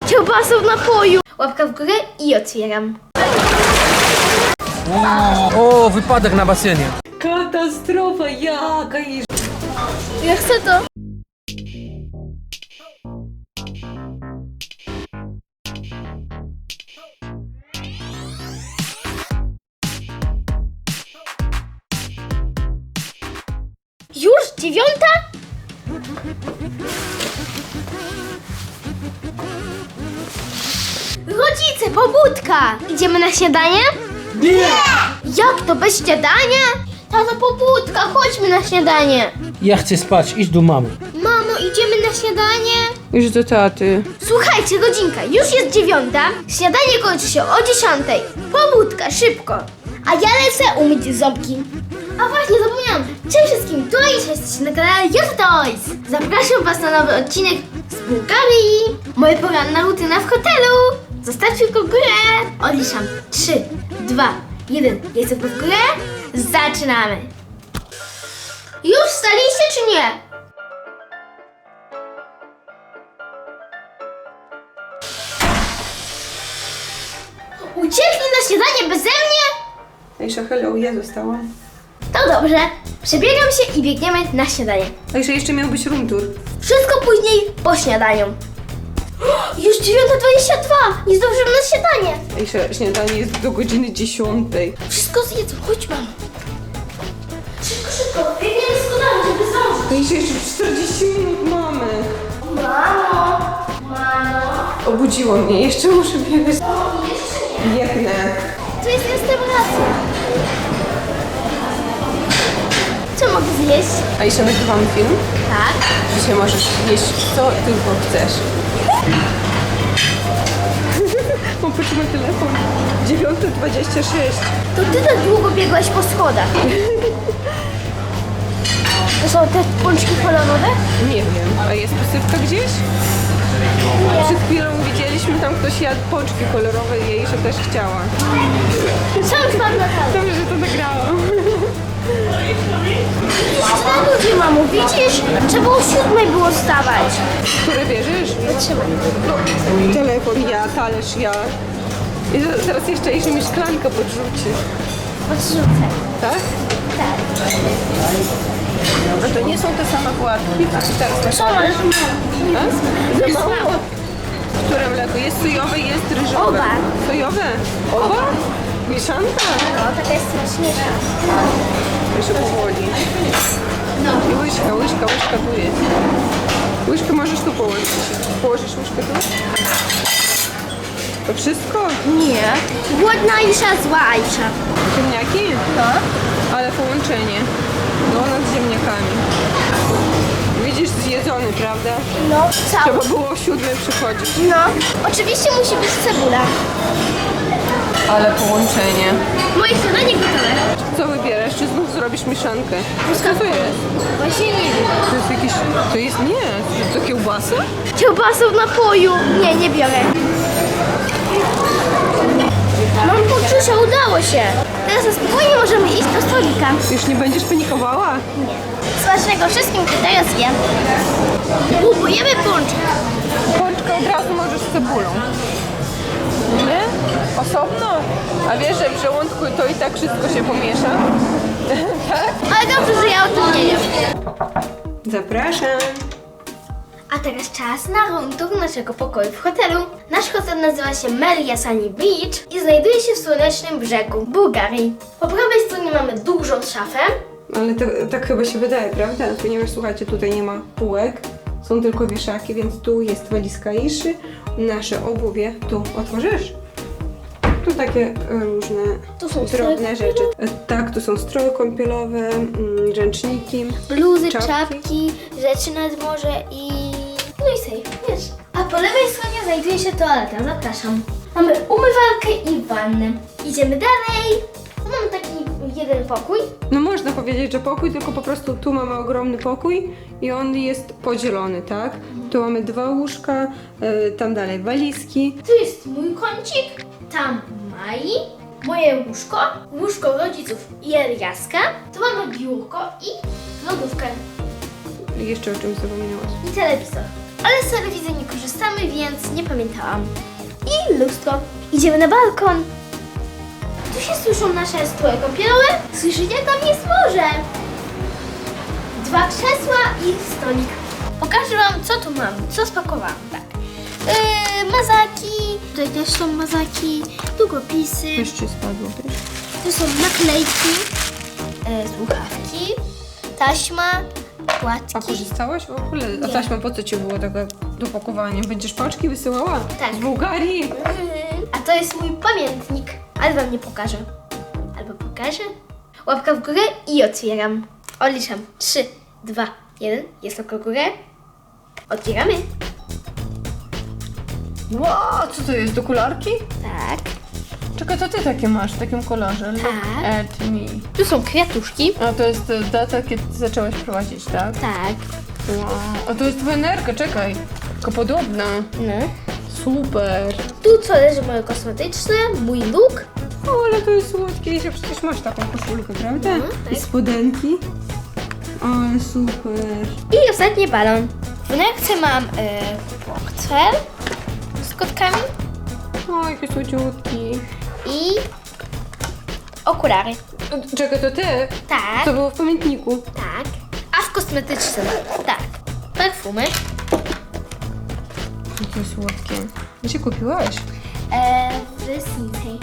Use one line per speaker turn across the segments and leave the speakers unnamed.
Kiełbasą w napoju. Łapka w górę i otwieram.
O, wypadek na basenie.
Katastrofa, jaka i...
Ja chcę to. Już 9:00? Rodzice, pobudka! Idziemy na śniadanie? Nie! Jak to bez śniadania? Tato, pobudka, chodźmy na śniadanie.
Ja chcę spać, idź do mamy.
Mamo, idziemy na śniadanie?
Już do taty.
Słuchajcie, godzinka, już jest 9:00, śniadanie kończy się o 10:00. Pobudka, szybko. A ja lecę umyć ząbki. A właśnie, zapomniałam. Cześć wszystkim, tu Aisha, jesteście na kanale YouTubeToys. Zapraszam was na nowy odcinek z Bułgarii. Moja poranna rutyna w hotelu. Zostawcie tylko górę. Odliczam. 3, 2, 1. Jestem w górę. Zaczynamy. Już wstaliście czy nie? Uciekli na śniadanie beze mnie?
Aisha, hello, ja zostałam.
To dobrze. Przebiegam się i biegniemy na śniadanie.
Aisha, jeszcze miał być room tour.
Wszystko później po śniadaniu. Już 9:22. Nie zdążymy na śniadanie.
Aisha, śniadanie jest do godziny 10.
Wszystko zjedzą. Chodź, mamo. Szybko, szybko. Biegniemy z kodami, żeby zdążyć.
Aisha, jeszcze 40 minut mamy.
Mamo. Mamo.
Obudziło mnie, jeszcze muszę biegać.
Jeszcze nie.
Biegnę.
Tu jest restauracja. Co mogę zjeść?
Aisha, nagrywamy film?
Tak.
Dzisiaj możesz jeść co tylko chcesz. Popatrz na telefon. 9:26.
To ty tak długo biegłaś po schodach. To są te pączki kolorowe?
Nie wiem. A jest posypka gdzieś? Przed chwilą widzieliśmy, tam ktoś jadł pączki kolorowe i Aisha też chciała.
Sam spadł na talerz.
Dobrze, że to nagrałam.
Co ludzie, mamo, widzisz? Trzeba o 7:00 było wstawać.
Które bierzesz?
Wytrzymaj.
Telefon ja, talerz ja. I teraz jeszcze Aisha mi szklankę podrzuci.
Odrzucę.
Tak?
Tak.
A to nie są te same płatki, co ci teraz
Co, ale
A? Za mało. Które mleko? Jest sojowe i jest ryżowe.
Oba.
Sojowe? Oba? Mieszanka?
no, taka jest smaczniejsza.
Jeszcze powoli.
No.
I łyżka tu jest. Łyżkę możesz tu położyć. Położysz łyżkę tu? To wszystko?
Nie. Głodna Aisha, zła Aisha.
Ziemniaki?
No.
Ale połączenie. Donut z ziemniakami. Widzisz, zjedzony, prawda?
No, cały.
Trzeba było o 7:00 przychodzić.
No. Oczywiście musi być cebula.
Ale połączenie.
Moje śniadanie gotowe.
Co wybierasz? Czy znów zrobisz mieszankę? Co to jest?
Właśnie nie wiem.
To jest jakieś... To jest... Nie. To kiełbasa?
Kiełbasą w napoju. Nie, nie biorę. Mam poczucie, udało się. Teraz na spokojnie możemy iść do stolika.
Już nie będziesz panikowała?
Smacznego wszystkim, kto teraz je. Próbujemy pączek.
Pączkę od razu możesz z cebulą. Nie? Osobno? A wiesz, że w żołądku to i tak wszystko się pomiesza? Tak?
Ale dobrze, że ja o tym nie wiem.
Zapraszam.
A teraz czas na room tour naszego pokoju w hotelu. Nasz hotel nazywa się Melia Sunny Beach i znajduje się w słonecznym brzegu Bułgarii. Po prawej stronie mamy dużą szafę.
Ale tak chyba się wydaje, prawda? Ponieważ słuchajcie, tutaj nie ma półek, są tylko wieszaki, więc tu jest walizka Aiszy, nasze obuwie tu otworzysz. Tu takie różne
Tu są
drobne
stroje
rzeczy. Tak, tu są stroje kąpielowe, ręczniki,
Bluzy,
czapki.
czapki, rzeczy nad morze i... No i safe, wiesz. A po lewej stronie znajduje się toaleta, zapraszam. Mamy umywalkę i wannę. Idziemy dalej. Tu mamy taki jeden pokój.
No można powiedzieć, że pokój, tylko po prostu tu mamy ogromny pokój i on jest podzielony, tak? Tu mamy 2 łóżka, tam dalej walizki.
Tu jest mój kącik, tam Mai, moje łóżko, łóżko rodziców i Eliaska. Tu mamy biurko i lodówkę
I jeszcze o czymś zapomniałaś.
i telewizor. ale z telewizji nie korzystamy, więc nie pamiętałam. I lustro. Idziemy na balkon. Tu się słyszą nasze stroje kąpielowe. Słyszycie? Tam jest morze. 2 krzesła i stolik. Pokażę wam, co tu mam, co spakowałam. Tak. Mazaki. Tutaj też są mazaki, długopisy.
Jeszcze spadło, wiesz?
Tu są naklejki, słuchawki, taśma,
A
płatki.
korzystałaś w ogóle? A
Nie.
taśma po co ci było takie do pakowania? Będziesz paczki wysyłała?
Tak.
Z Bułgarii?
A to jest mój pamiętnik, ale wam nie pokażę. Albo pokażę. Łapka w górę i otwieram. Odliczam. 3, 2, 1. Jest łapka w górę. Otwieramy.
Wow, co to jest? Do kolarki?
Tak.
Czekaj, to ty takie masz w takim kolorze. Look
Tak.
at me.
Tu są kwiatuszki.
A to jest data, kiedy ty zaczęłaś prowadzić, tak?
Tak.
Wow. A to jest wenerka, czekaj. Tylko podobna.
No.
Super.
Tu co leży moje kosmetyczne, mój look.
O, ale to jest słodkie. Jeszcze przecież masz taką koszulkę, prawda?
tak.
I spodenki. Ale super.
I ostatni balon. W nerce mam portfel z kotkami
O, jaki słodziutki.
i okulary.
Czekaj, to ty?
Tak,
To było w pamiętniku.
tak. A w kosmetycznym, tak. Perfumy.
Jakie słodkie. Gdzie kupiłaś?
W Sinsei.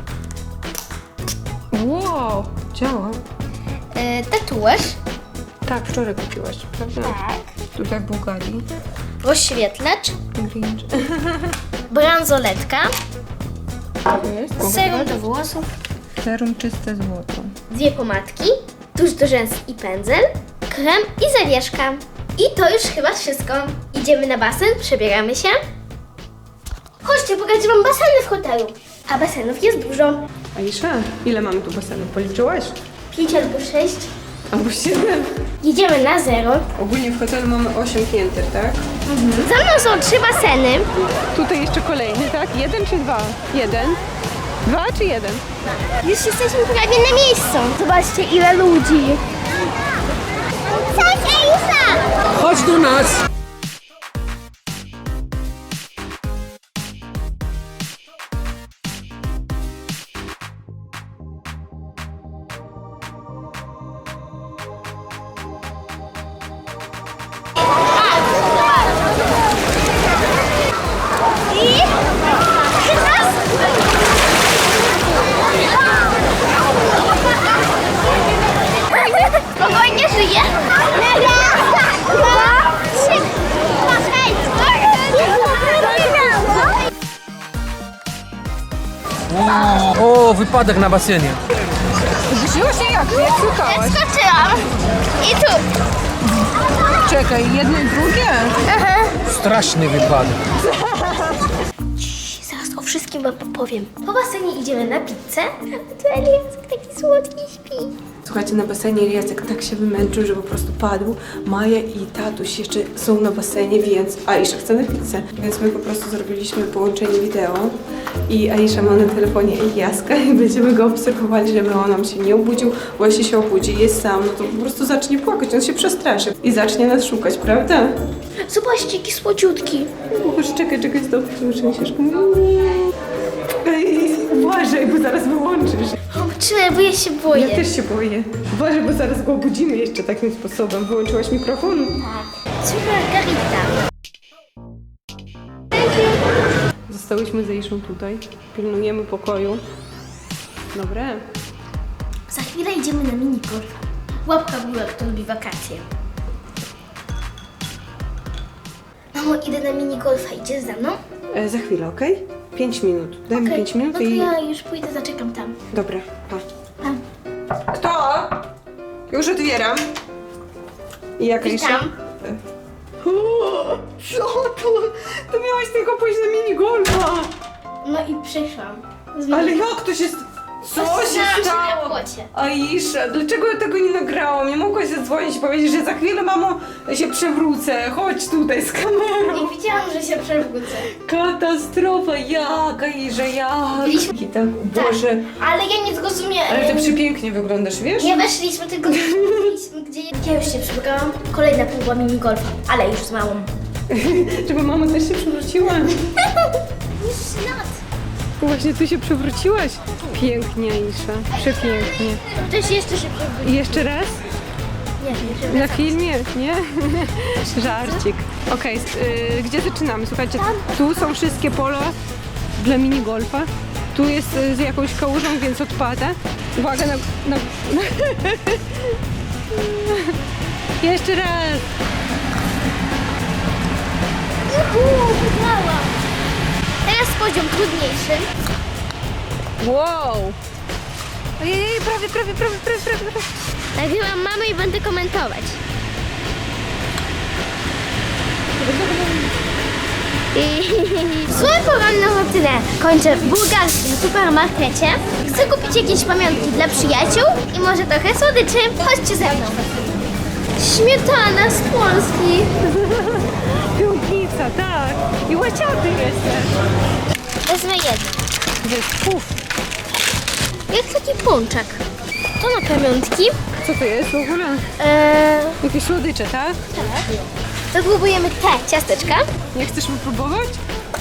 Wow, działa.
Tatuaż.
Tak, wczoraj kupiłaś, prawda?
Tak.
Tutaj w Bułgarii.
Rozświetlacz.
Grinch.
Bransoletka.
To jest?
Serum do włosów.
Serum czyste złoto.
2 pomadki. Tusz do rzęs i pędzel. Krem i zawieszka. I to już chyba wszystko. Idziemy na basen, przebieramy się. Chodźcie, pokażę wam baseny w hotelu. A basenów jest dużo.
Aisza, ile mamy tu basenów? Policzyłaś?
5 albo 6.
Albo 7.
Jedziemy na 0.
Ogólnie w hotelu mamy 8 pięter, tak?
Za mną są 3 baseny.
Tutaj jeszcze kolejny, tak? 1 czy 2? 1. 2 czy 1?
Już jesteśmy prawie na miejscu. Zobaczcie, ile ludzi. Cześć, Elisa!
Chodź do nas!
I teraz spokojnie żyje. Raz, 2, 3.
O, wypadek na basenie.
Zrzuciło się jak słuchałaś?
Skoczyłam. I tu.
Czekaj, jedno i drugie?
Straszny wypadek.
Zaraz o wszystkim wam powiem. Po basenie idziemy na pizzę. A tu Eliask taki słodki śpi.
Słuchajcie, na basenie Jacek tak się wymęczył, że po prostu padł. Maja i tatuś jeszcze są na basenie, więc Aisza chce na pizzę. Więc my po prostu zrobiliśmy połączenie wideo i Aisza ma na telefonie Eliaska i będziemy go obserwowali, żeby on nam się nie obudził, bo jeśli się obudzi, jest sam, no to po prostu zacznie płakać, on się przestraszy i zacznie nas szukać, prawda?
Zobaczcie, jaki słodziutki.
Boże, czekaj, stop, trzęsiesz. Ej, uważaj, bo zaraz wyłączysz.
O, trzymaj, bo ja się boję.
Ja też się boję. Uważaj, bo zaraz go obudzimy jeszcze takim sposobem. Wyłączyłaś mikrofon?
Super Margarita.
Zostałyśmy z Aiszą tutaj. Pilnujemy pokoju. Dobre.
Za chwilę idziemy na minigolf. Łapka w górę, kto lubi wakacje. Mamo, idę na minigolfa. Idziesz za mną?
Za chwilę, okej? 5 minut. Daj mi 5 minut
no to
i...
ja już pójdę, zaczekam tam.
Dobra, pa.
Tam.
Kto? Już otwieram. I jak Aisza?
Witam.
O, co to? To miałaś tylko pójść na minigolfa.
No i przyszłam.
Ale jak to się... Co się
Zatrzymałam się na
stało?
płocie.
Aisza, dlaczego ja tego nie nagrałam? Nie mogłaś zadzwonić i powiedzieć, że za chwilę, mamo, się przewrócę. Chodź tutaj z kamerą.
Nie widziałam, że się przewrócę.
Katastrofa, jak, Aisza, jak?
Byliśmy-
I tak, Boże.
Ale ja nie zrozumiałam.
Ale ty przepięknie wyglądasz, wiesz?
Nie weszliśmy, tylko byliśmy gdzie... Ja już się przebrałam. Kolejna próba minigolfa, ale już z małą.
Żeby mama też się przewróciła.
Już lat.
Właśnie ty się przewróciłaś. Pięknie, Isza. Przepięknie.
Ktoś jeszcze się przewrócił.
I jeszcze raz?
Nie,
Na filmie, nie? Żarcik. Okej, gdzie zaczynamy? Słuchajcie, tu są wszystkie pola dla minigolfa. Tu jest z jakąś kałużą, więc odpada. Uwaga na... Jeszcze raz.
Wygrałam. Teraz poziom trudniejszy.
Wow. Ojej, prawie.
Nagrywam mamę i będę komentować. Swoją poranną rutynę kończę w bułgarskim supermarkecie. Chcę kupić jakieś pamiątki dla przyjaciół i może trochę słodyczy. Chodźcie ze mną. Śmietana z Polski.
Piątnica, tak. I łaciaty jeszcze.
Wezmę jeden.
To jest puf.
Jak taki pączek. To na pamiątki.
Co to jest w ogóle? Jakieś słodycze, tak?
To próbujemy te ciasteczka.
Nie chcesz mi próbować?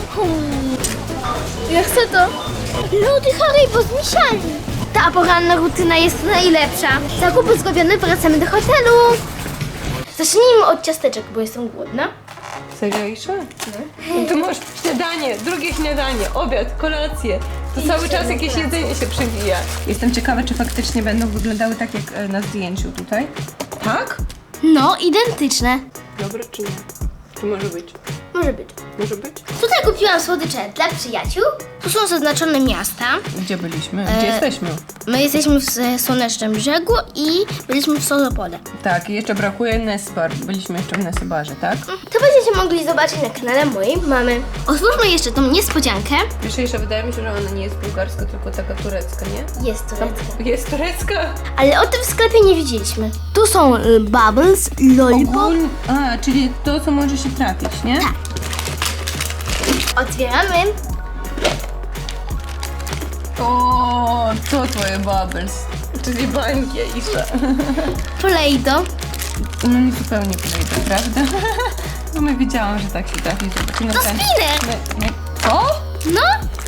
Ja chcę to. Lody Haribo z misiami. Ta poranna rutyna jest najlepsza. Zakupy zrobione, wracamy do hotelu. Zacznijmy od ciasteczek, bo jestem głodna.
Serio, Isza? No. To masz śniadanie, drugie śniadanie, obiad, kolację. To cały czas jakieś jedzenie się przewija. Jestem ciekawa, czy faktycznie będą wyglądały tak jak na zdjęciu tutaj. Tak?
No, identyczne.
Dobre czy nie? Czy może być?
Może być.
Może być?
Tutaj kupiłam słodycze dla przyjaciół. Tu są zaznaczone miasta.
Gdzie byliśmy? Gdzie jesteśmy?
My jesteśmy w Słonecznym Brzegu i byliśmy w Solopole.
Tak, i jeszcze brakuje Nespar. Byliśmy jeszcze w Nesebarze, tak?
To będziecie mogli zobaczyć na kanale mojej mamy. Otwórzmy jeszcze tą niespodziankę.
Wiesz, jeszcze wydaje mi się, że ona nie jest bułgarska, tylko taka turecka, nie?
Jest turecka.
Jest turecka?
Ale o tym w sklepie nie widzieliśmy. Tu są bubbles, lollipop.
A, czyli to, co może się trafić, nie?
Tak. Otwieramy.
O, to twoje bubbles. Czyli bańki, Isza.
Play-Doh.
No nie zupełnie podejdę, prawda? No my wiedziałam, że tak się trafi. No,
To spinner.
Co?
No.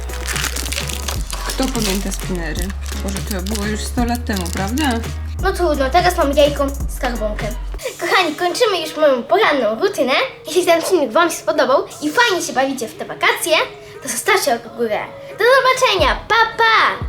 Kto pamięta spinery? Boże, to było już 100 lat temu, prawda?
No trudno, teraz mam jajko skarbonkę. Kochani, kończymy już moją poranną rutynę. Jeśli ten filmik Wam się spodobał i fajnie się bawicie w te wakacje, to zostawcie łapkę w górę. Do zobaczenia, pa pa!